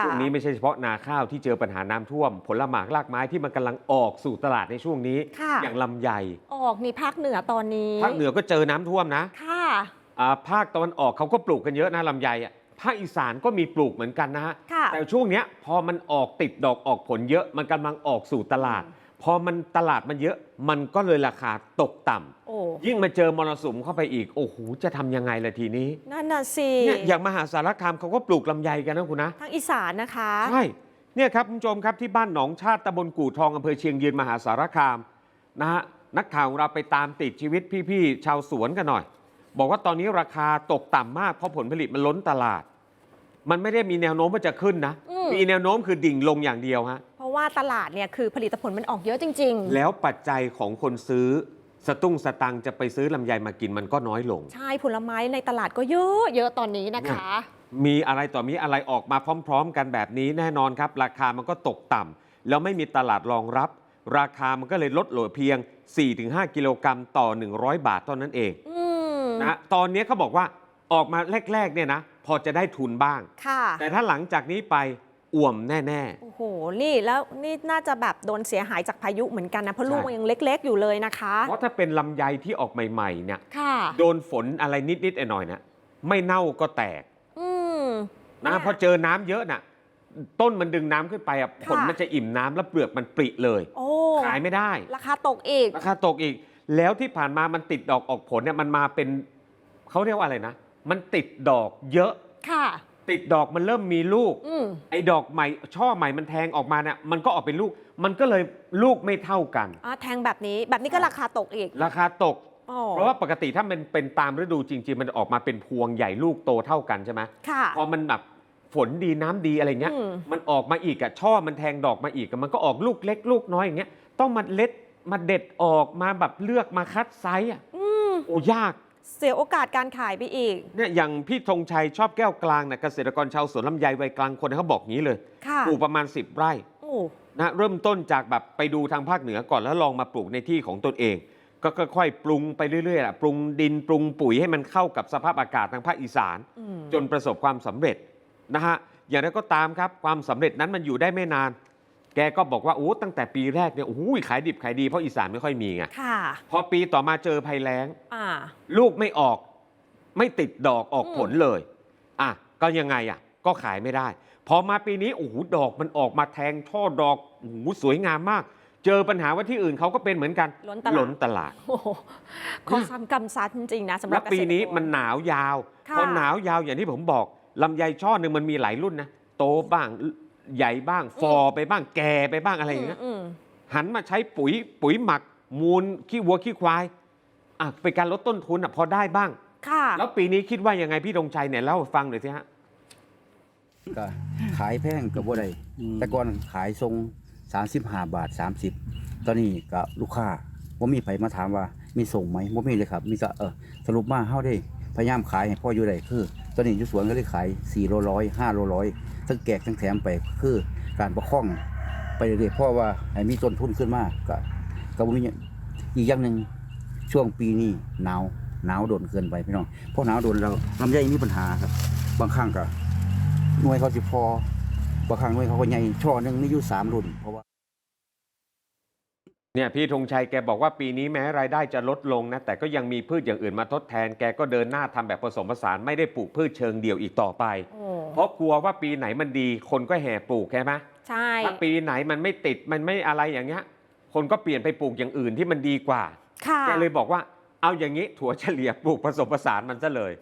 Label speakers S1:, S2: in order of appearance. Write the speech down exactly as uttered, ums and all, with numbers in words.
S1: วงนี้ไม่ใช่เฉพาะนาข้าวที่เจอปัญหาน้ำท่วมผลหมากรากไม้ที่มันกำลังออกสู่ตลาดในช่วงนี้อย่างลำไย
S2: ออกนี่ภาคเหนือตอนนี้
S1: ภาคเหนือก็เจอน้ำท่วมนะ
S2: ค่ะ
S1: ภาคตะวันออกเขาก็ปลูกกันเยอะนะลำไยอ่ะภาคอีสานก็มีปลูกเหมือนกันนะฮะแต่ช่วงนี้พอมันออกติดดอกออกผลเยอะมันกำลังออกสู่ตลาดพอมันตลาดมันเยอะมันก็เลยราคาตกต่ำยิ่งมาเจอมรสุมเข้าไปอีกโอ้โหจะทำยังไงล่ะทีนี้
S2: นั่นน่ะสิ
S1: เนี่ยอย่างมหาสารคามเขาก็ปลูกลำไยกันนะคุณนะ
S2: ทางอีสานนะคะ
S1: ใช่เนี่ยครับคุณผู้ชมครับที่บ้านหนองชาติตำบลกู่ทองอำเภอเชียงยืนมหาสารคามนะฮะนักข่าวของเราไปตามติดชีวิตพี่ๆชาวสวนกันหน่อยบอกว่าตอนนี้ราคาตกต่ำมากเพราะผลผลิตมันล้นตลาดมันไม่ได้มีแนวโน้มว่าจะขึ้นนะมีแนวโน้มคือดิ่งลงอย่างเดียวฮะ
S2: เพราะว่าตลาดเนี่ยคือผลิตผลมันออกเยอะจริง
S1: ๆแล้วปัจจัยของคนซื้อสตุ้งสตังจะไปซื้อลำไยมากินมันก็น้อยลง
S2: ใช่ผลไม้ในตลาดก็เยอะเยอะตอนนี้นะคะ
S1: มีอะไรต่อมีอะไรออกมาพร้อมๆกันแบบนี้แน่นอนครับราคามันก็ตกต่ำแล้วไม่มีตลาดรองรับราคามันก็เลยลดเหลือเพียง สี่ถึงห้า กิโลกรัมต่อหนึ่งร้อยบาทเท่านั้นเองนะตอนนี้เขาบอกว่าออกมาแรกๆเนี่ยนะพอจะได้ทุนบ้างแต่ถ้าหลังจากนี้ไปอ่วมแน่
S2: ๆโอ้โหนี่แล้วนี่น่าจะแบบโดนเสียหายจากพายุเหมือนกันนะเพราะลูกมันยังเล็กๆอยู่เลยนะคะ
S1: เพราะถ้าเป็นลำไยที่ออกใหม่ๆเนี่ยโดนฝนอะไรนิดๆหน่อยๆนะไม่เน่าก็แตกนะพอเจอน้ำเยอะน่ะต้นมันดึงน้ำขึ้นไปอ่ะผลมันจะอิ่มน้ำแล้วเปลือกมันปริเลยขายไม่ได้
S2: ราคาตกอีก
S1: ราคาตกอีกแล้วที่ผ่านมามันติดดอกออกผลเนี่ยมันมาเป็นเขาเรียกว่าอะไรนะมันติดดอกเยอะ
S2: ค่ะ
S1: ติดดอกมันเริ่มมีลูกไอ้ดอกใหม่ช่อใหม่มันแทงออกมาเนี่ยมันก็ออกเป็นลูกมันก็เลยลูกไม่เท่ากัน
S2: อ่าแทงแบบนี้แบบนี้ก็ราคาตกอีก
S1: ราคาตกเพราะว่าปกติถ้ามันเป็นตามฤดูจริงๆมันออกมาเป็นพวงใหญ่ลูกโตเท่ากันใช่ไหม
S2: ค่ะ
S1: พอมันแบบฝนดีน้ำดีอะไรเงี้ยมันออกมาอีกอะช่อมันแทงดอกมาอีกมันก็ออกลูกเล็กลูกน้อยอย่างเงี้ยต้องมาเล็ดมาเด็ดออกมาแบบเลือกมาคัดไซส์อะโอ้ยาก
S2: เสียโอกาสการขายไปอีก
S1: เนี่ยอย่างพี่ธงชัยชอบแก้วกลางเนี่ยเกษตรกรชาวสวนลำไยวัยกลางคนเขาบอกงี้เลยปลูกประมาณสิบไร่นะเริ่มต้นจากแบบไปดูทางภาคเหนือก่อนแล้วลองมาปลูกในที่ของตนเองก็ค่อยๆปรุงไปเรื่อยๆปรุงดินปรุงปุ๋ยให้มันเข้ากับสภาพอากาศทางภาคอีสานจนประสบความสำเร็จนะฮะอย่างไรก็ตามครับความสำเร็จนั้นมันอยู่ได้ไม่นานแกก็บอกว่าโอ้ตั้งแต่ปีแรกเนี่ยโอ้โหขายดิบขายดีเพราะอีสานไม่ค่อยมีไงพอปีต่อมาเจอภัยแล้งลูกไม่ออกไม่ติดดอกออกผลเลยอ่ะก็ยังไงอ่ะก็ขายไม่ได้พอมาปีนี้โอ้โหดอกมันออกมาแทงช่อดอกโอ้โหสวยงามมากเจอปัญหาว่าที่อื่นเขาก็เป็นเหมือนกันล้นตลาด
S2: ข้อซ้ำกำซัดจริงๆนะสำหรับ
S1: ปีนี้มันหนาวยาวพอหนาวยาวอย่างที่ผมบอกลำไยช่อหนึ่งมันมีหลายรุ่นนะโตบ้างใหญ่บ้างฟอไปบ้างแก่ไปบ้างอะไรอย่างเงี้ยหันมาใช้ปุ๋ยปุ๋ยหมักมูลขี้วัวขี้ควายอ่ะเป็นการลดต้นทุนอ่ะพอได้บ้างแล้วปีนี้คิดว่ายังไงพี่ธงชัยเนี่ยเล่าฟังหน่อยสิฮะ
S3: ก็ขายแพงกับบ่ได้แต่ก่อนขายทรงสามสิบห้าบาทสามสิบตอนนี้ก็ลูกค้าว่ามีไผมาถามว่ามีส่งไหมว่ามีเลยครับมีก็เออสรุปมาเฮาได้พยายามขายให้พ่ออยู่ได้คือตอนนี้อยู่สวนก็เลยขายสี่โลร้อยห้าโลร้อยทั้งแกกทั้งแถมไปคือการประคองไปเรื่อยๆเพราะว่าให้มีต้นทุนขึ้นมากก็ก็บ่มีอีกอย่างหนึ่งช่วงปีนี้หนาวหนาวโดนเกินไปพี่น้องเพราะหนาวโดนเราลำไยมีปัญหาครับบางครั้งก็หน่วยเขาสิพอบางครั้งหน่วยเขาก็ใหญ่ช่อหนึ่งมีอยู่สามรุ่นเพราะว่า
S1: เนี่ยพี่ธงชัยแกบอกว่าปีนี้แม้รายได้จะลดลงนะแต่ก็ยังมีพืชอย่างอื่นมาทดแทนแกก็เดินหน้าทำแบบผสมผสานไม่ได้ปลูกพืชเชิงเดี่ยวอีกต่อไปเพราะกลัวว่าปีไหนมันดีคนก็แห่ปลูกใช่ไหม
S2: ใช่
S1: ถ้าปีไหนมันไม่ติดมันไม่อะไรอย่างเงี้ยคนก็เปลี่ยนไปปลูกอย่างอื่นที่มันดีกว่าแกเลยบอกว่าเอาอย่างนี้ถั่วเฉลี่ยปลูกผสมผสานมันซะเลย